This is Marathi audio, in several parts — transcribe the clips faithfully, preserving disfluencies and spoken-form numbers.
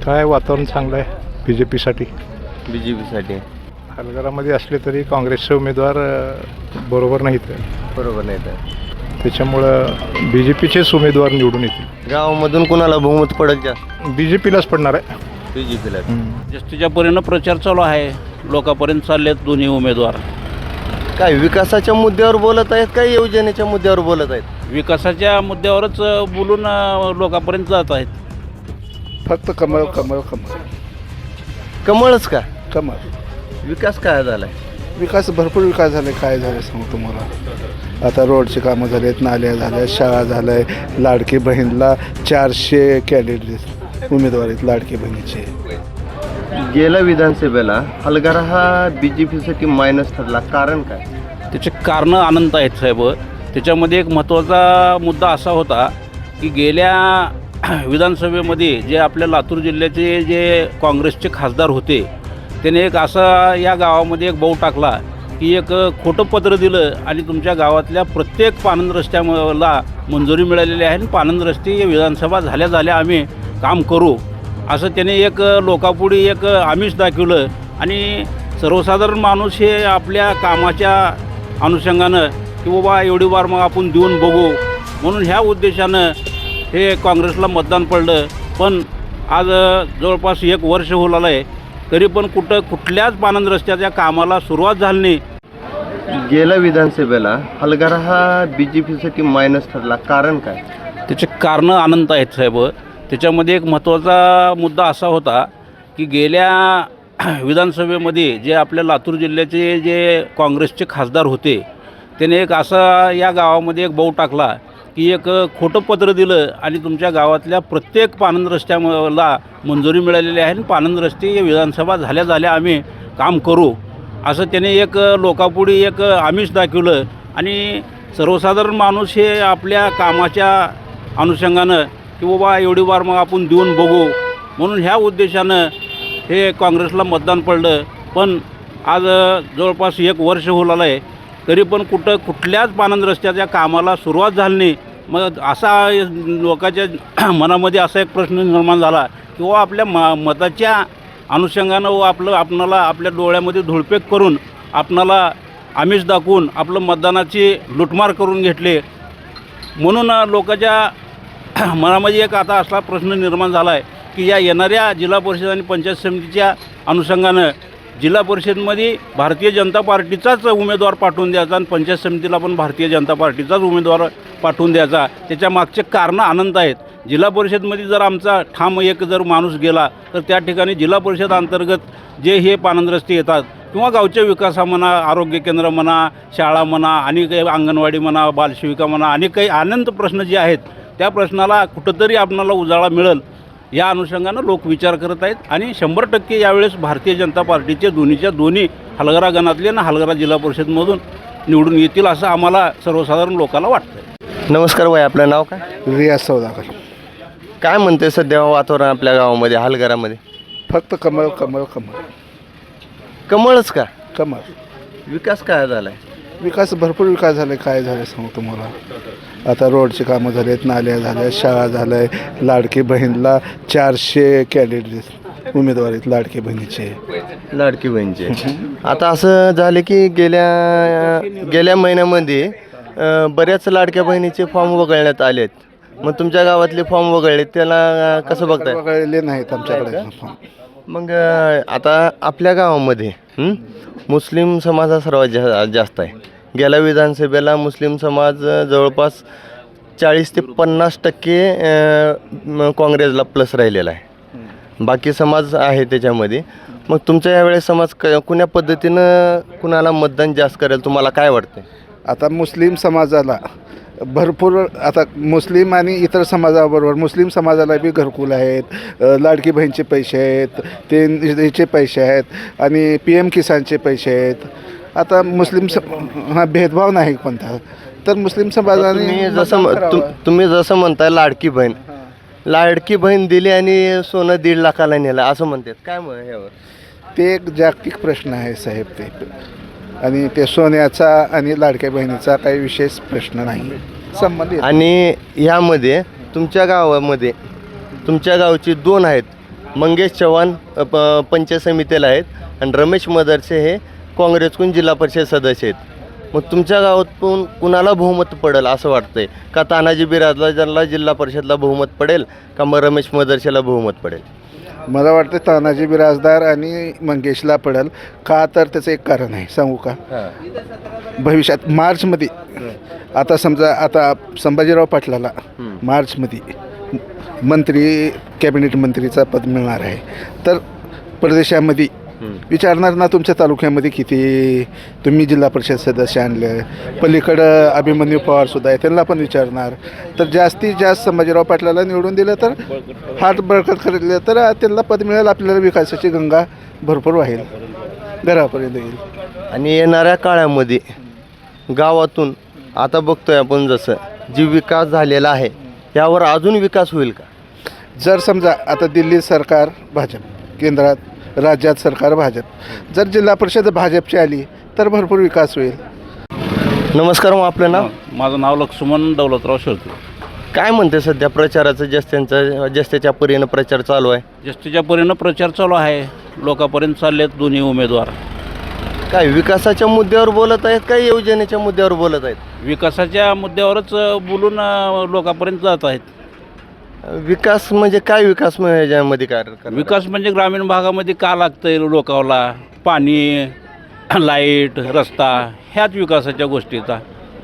काय वातावरण चांगलं आहे बी जे पीसाठी. बी जे पीसाठी हलगरामध्ये असले तरी काँग्रेसचे उमेदवार अ, बरोबर नाहीत. बरोबर नाही तर त्याच्यामुळं बी जे पीचेच उमेदवार निवडून येतील. गावामधून कोणाला बहुमत पडेल जास्त? बी जे पीलाच पडणार आहे. बी जे पीला. जास्तीच्या परीनं प्रचार चालू आहे. लोकांपर्यंत चाललेत दोन्ही उमेदवार. काय विकासाच्या मुद्द्यावर बोलत आहेत काय योजनेच्या मुद्द्यावर बोलत आहेत? विकासाच्या मुद्द्यावरच अ, बोलून अ, लोकांपर्यंत जात आहेत. फक्त कमळ कमळ कमळ कमळच का? कमळ. विकास काय झालाय? विकास भरपूर विकास झाले. काय झालं सांगतो तुम्हाला. आता रोडचे कामं झालेत, नाल्या झाल्या, शाळा झाल्या आहे. लाडकी बहीणला चारशे कॅन्डिडेट उमेदवार आहेत लाडकी बहिणीचे. गेल्या विधानसभेला हलगरा हा बी जे पीसाठी मायनस ठरला, कारण काय? त्याचे कारणं अनंत आहेत साहेब. त्याच्यामध्ये एक महत्त्वाचा मुद्दा असा होता की गेल्या विधानसभेमध्ये जे आपल्या लातूर जिल्ह्याचे जे काँग्रेसचे खासदार होते त्याने एक असा या गावामध्ये एक बाऊ टाकला की एक खोटं पत्र दिलं आणि तुमच्या गावातल्या प्रत्येक पानंद रस्त्याला मंजुरी मिळालेली आहे आणि पानंद रस्ते विधानसभा झाल्या झाल्या आम्ही काम करू असं त्याने एक लोकापुढे एक आमिष दाखवलं. आणि सर्वसाधारण माणूस हे आपल्या कामाच्या अनुषंगानं की बाबा एवढी वार मग आपण देऊन बघू म्हणून ह्या उद्देशानं हे काँग्रेसला मतदान पडलं. पण आज जवळपास एक वर्ष होऊ लागलं आहे तरी पण कुठं कुठल्याच पानंद रस्त्याच्या कामाला सुरुवात झाली नाही. गेल्या विधानसभेला हलगरा हा बी जे पीसाठी मायनस ठरला, कारण काय? त्याचे कारणं अनंत आहेत साहेब. त्याच्यामध्ये एक महत्त्वाचा मुद्दा असा होता की गेल्या विधानसभेमध्ये जे आपल्या लातूर जिल्ह्याचे जे काँग्रेसचे खासदार होते त्याने एक असा या गावामध्ये एक बाऊ टाकला की एक खोटं पत्र दिलं आणि तुमच्या गावातल्या प्रत्येक पानंद रस्त्याला मंजुरी मिळालेली आहे आणि पानंद रस्ते विधानसभा झाल्या झाल्या आम्ही काम करू असं त्याने एक लोकापुढे एक आमिष दाखवलं. आणि सर्वसाधारण माणूस हे आपल्या कामाच्या अनुषंगानं की बाबा एवढी वार मग आपण देऊन बघू म्हणून ह्या उद्देशानं हे काँग्रेसला मतदान पडलं. पण आज जवळपास एक वर्ष होऊ लागलं आहे तरी पण कुठं कुठल्याच पानंद रस्त्याच्या कामाला सुरुवात झाली नाही. मग असा लोकांच्या मनामध्ये असा एक प्रश्न निर्माण झाला की व आपल्या म मताच्या अनुषंगानं व आपलं आपणाला आपल्या डोळ्यामध्ये धुळपेक करून आपणाला आमिष दाखवून आपलं मतदानाची लुटमार करून घेतले. म्हणून लोकांच्या मनामध्ये एक आता असा प्रश्न निर्माण झाला आहे की या येणाऱ्या जिल्हा परिषद आणि पंचायत समितीच्या अनुषंगानं जिल्हा परिषदमध्ये भारतीय जनता पार्टीचाच उमेदवार पाठवून द्यायचा आणि पंचायत समितीला पण भारतीय जनता पार्टीचाच उमेदवार पाठवून द्यायचा. त्याच्या मागचे कारणं अनंत आहेत. जिल्हा परिषदमध्ये जर आमचा ठाम एक जर माणूस गेला तर त्या ठिकाणी जिल्हा परिषद अंतर्गत जे हे पानंद रस्ते येतात किंवा गावच्या विकासा म्हणा, आरोग्य केंद्र म्हणा, शाळा म्हणा आणि काही अंगणवाडी म्हणा, बालसेविका म्हणा आणि काही अनंत प्रश्न जे आहेत त्या प्रश्नाला कुठंतरी आपणाला उजाळा मिळेल या अनुषंगानं लोक विचार करत आहेत. आणि शंभर टक्के यावेळेस भारतीय जनता पार्टीचे दोन्हीच्या दोन्ही हलगरा गणातले ना हलगरा जिल्हा परिषदमधून निवडून येतील असं आम्हाला सर्वसाधारण लोकांना वाटतं. नमस्कार भाई, आपलं नाव काय? रियाज सौदागर. काय म्हणते सध्या वातावरण आपल्या गावामध्ये हलगरामध्ये? फक्त कमळ कमळ कमळ कमळच का? कमळ. विकास काय झालाय? विकास भरपूर विकास झाले. काय झाले सांगतो तुम्हाला. आता रोडचे कामं झालेत, नाल्या झाल्या, शाळा झाल्या आहे. लाडकी बहीणला चारशे कॅन्डिडेट उमेदवार आहेत लाडकी बहिणीचे. लाडकी बहिणीचे आता असं झालं की गेल्या गेल्या महिन्यामध्ये अं, बऱ्याच लाडक्या बहिणीचे फॉर्म वगळण्यात आलेत. मग तुमच्या गावातले फॉर्म वगळले त्याला कसं बघताय? वगळलेले नाहीत आमच्याकडे. मग अं, आता आपल्या गावामध्ये हं, मुस्लिम समाज हा सर्वात जा जास्त आहे. गेल्या विधानसभेला मुस्लिम समाज अं, जवळपास चाळीस ते पन्नास टक्के अं, काँग्रेसला प्लस राहिलेला आहे. बाकी समाज आहे त्याच्यामध्ये. मग तुमच्या यावेळेस समाज क कुण्या पद्धतीनं कुणाला मतदान जास्त करेल तुम्हाला काय वाटतं? आता मुस्लिम समाजाला भरपूर आता मुस्लिम आणि इतर समाजाबरोबर मुस्लिम समाजाला बी घरकुल आहेत, लाडकी बहीणचे पैसे आहेत, ते याचे पैसे आहेत आणि पी एम किसानचे पैसे आहेत. आता मुस्लिम स हा भेदभाव नाही कोणता. तर मुस्लिम समाजाने तुम्ही जसं तुम तुम्ही जसं म्हणताय लाडकी बहीण लाडकी बहीण दिली आणि सोनं दीड लाखाला नेलं असं म्हणतात, काय मग यावर? ते एक जागतिक प्रश्न आहे साहेब ते. आणि ते सोन्याचा आणि लाडक्या बहिणीचा काही विशेष प्रश्न नाही संबंधित. आणि ह्यामध्ये तुमच्या गावामध्ये तुमच्या गावची दोन आहेत मंगेश चव्हाण अ, प पंचायत समितीला आहेत आणि रमेश मदरसे हे काँग्रेसकडून जिल्हा परिषद सदस्य आहेत. मग तुमच्या गावातून कुणाला बहुमत पडेल असं वाटतंय? का तानाजी बिराजला ज्यांना जिल्हा परिषदला बहुमत पडेल, का मग रमेश मदरसेला बहुमत पडेल? मला वाटतं तानाजी बिराजदार आणि मंगेशला पडेल. का तर त्याचं एक कारण आहे, सांगू का? भविष्यात मार्चमध्ये आता समजा आता संभाजीराव पाटलाला मार्चमध्ये मंत्री कॅबिनेट मंत्रीचा पद मिळणार आहे. तर प्रदेशामध्ये विचारणार ना तुमच्या तालुक्यामध्ये किती तुम्ही जिल्हा परिषद सदस्य आणलं, पलीकडं अभिमन्यू पवारसुद्धा आहे, त्यांना पण विचारणार. तर जास्तीत जास्त संभाजीराव पाटलाला निवडून दिलं तर हात बळकट करले तर त्यांना पद मिळेल. आपल्याला विकासाची गंगा भरपूर वाहेल, घरापर्यंत येईल. आणि येणाऱ्या काळामध्ये गावातून आता बघतोय आपण जसं जी विकास झालेला आहे यावर अजून विकास होईल का? जर समजा आता दिल्ली सरकार भाजप, केंद्रात राज्यात सरकार भाजप, जर जिल्हा परिषद भाजपची आली तर भरपूर विकास होईल. नमस्कार, मग आपलं नाव? माझं नाव लक्ष्मण दौलतराव शेळके. काय म्हणते सध्या प्रचाराचं जस्त्यांचा जस्त्याच्या परीनं प्रचार चालू आहे? जास्तीच्या परीनं प्रचार चालू आहे, लोकांपर्यंत चाललेत दोन्ही उमेदवार. काय विकासाच्या मुद्द्यावर बोलत आहेत काय योजनेच्या मुद्द्यावर बोलत आहेत? विकासाच्या मुद्द्यावरच बोलून अ, लोकांपर्यंत जात आहेत. विकास म्हणजे काय विकास म्हणजे याच्यामध्ये काय करणार? विकास म्हणजे ग्रामीण भागामध्ये का लागतंय लोकांना पाणी, लाईट, रस्ता, ह्याच विकासाच्या गोष्टीचा.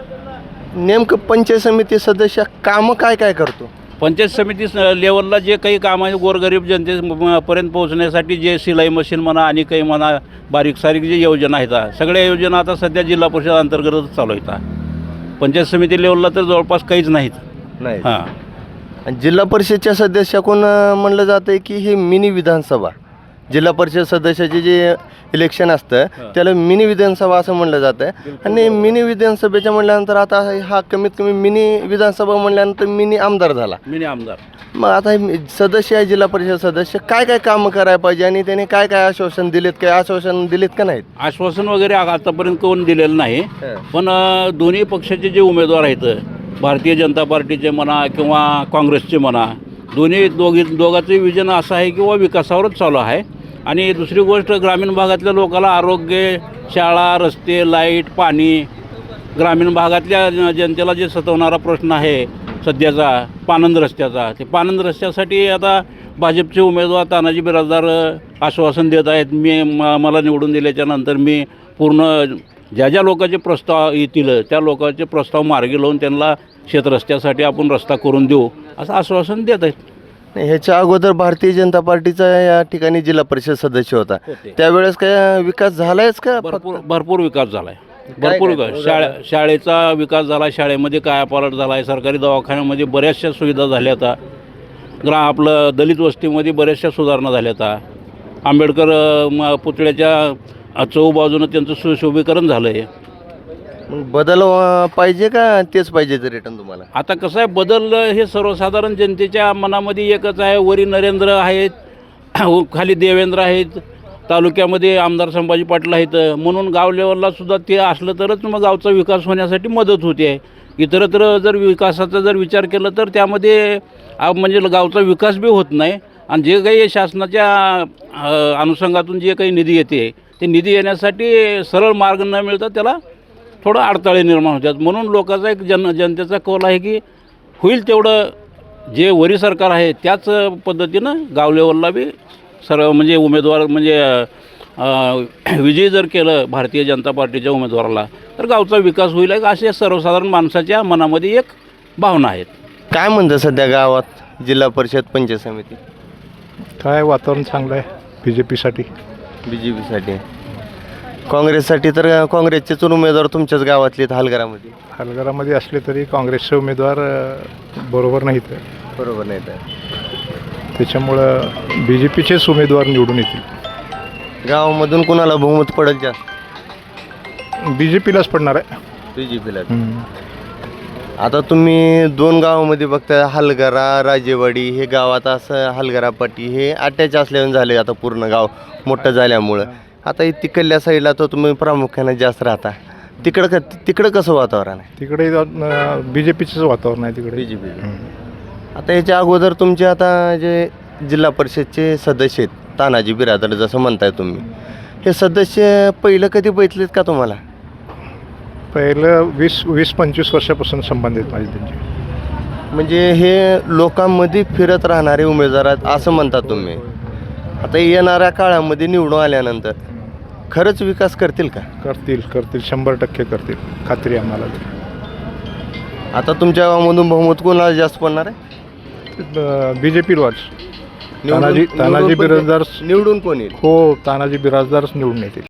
नेमकं पंचायत समिती सदस्य कामं काय काय करतो? पंचायत समिती स- लेवलला जे काही काम आहे गोरगरीब जनतेपर्यंत पोहोचण्यासाठी जे सिलाई मशीन म्हणा आणि काही म्हणा बारीक सारीक जे योजना आहेत आ, सगळ्या योजना आता सध्या जिल्हा परिषद अंतर्गतच चालू आहेत. पंचायत समिती लेवलला तर जवळपास काहीच नाहीत. नाही. हां, आणि जिल्हा परिषदच्या सदस्याकडून अं, म्हणलं जातं आहे की ही मिनी विधानसभा, जिल्हा परिषद सदस्याचे जे इलेक्शन असतं त्याला मिनी विधानसभा असं म्हणलं जातं आहे. आणि मिनी विधानसभेच्या म्हणल्यानंतर आता हा कमीत कमी मिनी विधानसभा म्हणल्यानंतर मिनी आमदार झाला. मिनी आमदार. मग आता हे मी- सदस्य आहे जिल्हा परिषद सदस्य, काय काय कामं करायला पाहिजे आणि त्याने काय काय आश्वासन दिलेत, काय आश्वासन दिलेत का नाहीत? आश्वासन वगैरे आ- आतापर्यंत कोण दिलेलं नाही. पण अ, दोन्ही पक्षाचे जे उमेदवार आहेत, भारतीय जनता पार्टीचे म्हणा किंवा काँग्रेसचे म्हणा, दोन्ही दोघी दोघांचं विजन असं आहे किंवा विकासावरच चालू आहे. आणि दुसरी गोष्ट, ग्रामीण भागातल्या लोकांना आरोग्य, शाळा, रस्ते, लाईट, पाणी, ग्रामीण भागातल्या ज- जनतेला जे सतवणारा प्रश्न आहे सध्याचा पाणंद रस्त्याचा, ते पाणंद रस्त्यासाठी आता भाजपचे उमेदवार तानाजी बिराजदार अ, आश्वासन देत आहेत. मी म मला निवडून दिल्याच्यानंतर मी पूर्ण ज्या ज्या लोकांचे प्रस्ताव येतील त्या लोकांचे प्रस्ताव मार्गी लावून त्यांना शेतरस्त्यासाठी आपण रस्ता करून देऊ असं आश्वासन देत आहेत. नाही, ह्याच्या अगोदर भारतीय जनता पार्टीचा या ठिकाणी जिल्हा परिषद सदस्य होता, होते. त्यावेळेस काय विकास झालायच का? भरपूर भरपूर विकास झाला आहे. काय भरपूर काय? विकास, शाळा शाळेचा विकास झाला आहे, शाळेमध्ये कायापालट झाला आहे, सरकारी दवाखान्यामध्ये बऱ्याचशा सुविधा झाल्या आता, ग्रा आपलं दलित वस्तीमध्ये बऱ्याचशा सुधारणा झाल्या आता, आंबेडकर अ, म- पुतळ्याच्या चहूबाजूनं त्यांचं सुशोभीकरण झालं आहे. मग बदल अं, पाहिजे का तेच पाहिजे ते रिटर्न तुम्हाला? आता कसं आहे, बदल हे सर्वसाधारण जनतेच्या मनामध्ये एकच आहे. वरी नरेंद्र आहेत, खाली देवेंद्र आहेत, तालुक्यामध्ये आमदार संभाजी पाटील आहेत, म्हणून गाव लेवलला सुद्धा ते असलं तरच मग गावचा विकास होण्यासाठी मदत होते आहे. इतरत्र जर विकासाचा जर विचार केला तर त्यामध्ये आ, म्हणजे गावचा विकास बी होत नाही. आणि जे काही शासनाच्या अ, अनुषंगातून जे काही निधी येते ते निधी येण्यासाठी सरळ मार्ग न मिळता त्याला थोडं अडथळे निर्माण होतात. म्हणून लोकांचा एक जन जनतेचा कौल आहे की होईल तेवढं जे वरी सरकार आहे त्याच पद्धतीनं गाव लेवलला बी सर्व म्हणजे उमेदवार म्हणजे अ, विजयी जर केलं भारतीय जनता पार्टीच्या उमेदवाराला तर गावचा विकास होईल असे सर्वसाधारण माणसाच्या मनामध्ये एक भावना आहेत. काय म्हणतं सध्या गावात जिल्हा परिषद पंचायत समिती? काय वातावरण चांगलं आहे बी जे पीसाठी. B J पीसाठी. काँग्रेससाठी तर काँग्रेसचेच उमेदवार तुमच्याच गावातले आहेत हलगरामध्ये. हलगरामध्ये असले तरी काँग्रेसचे उमेदवार अ, बरोबर नाहीत. बरोबर नाही तर त्याच्यामुळं बी जे पीचेच उमेदवार निवडून येतील. गावामधून कुणाला बहुमत पडेल जास्त? बी जे पीलाच पडणार आहे. बी जे पीला. हम्म. आता तुम्ही दोन गावामध्ये बघता, हलगरा राजेवाडी हे गावात असं हलगरापट्टी हे अटॅच असल्याने झाले आता पूर्ण गाव मोठं झाल्यामुळं. आता हे तिकडल्या साईडला तर तुम्ही प्रामुख्याने जास्त राहता, तिकडं क तिकडं कसं वातावरण आहे? तिकडे बी जे पीचंच वातावरण आहे तिकडे. B J P. हम्म. आता याच्या अगोदर तुमचे आता जे जिल्हा परिषदचे सदस्य आहेत तानाजी बिरादर जसं म्हणताय तुम्ही, हे सदस्य पहिलं कधी बघितलेत का तुम्हाला? पहिलं वीस वीस पंचवीस वर्षापासून संबंधित माझे त्यांचे. म्हणजे हे लोकांमध्ये फिरत राहणारे उमेदवार आहेत असं म्हणता तुम्ही. आता येणाऱ्या काळामध्ये निवडून आल्यानंतर खरंच विकास करतील का? करतील करतील शंभर टक्के करतील, खात्री आहे आम्हाला. आता तुमच्या गावामधून बहुमत कोणाला जास्त पडणार आहे? बी जे पीलाच तानाजी तानाजी बिराजदार निवडून कोण येईल? हो तानाजी बिराजदारच निवडून येतील.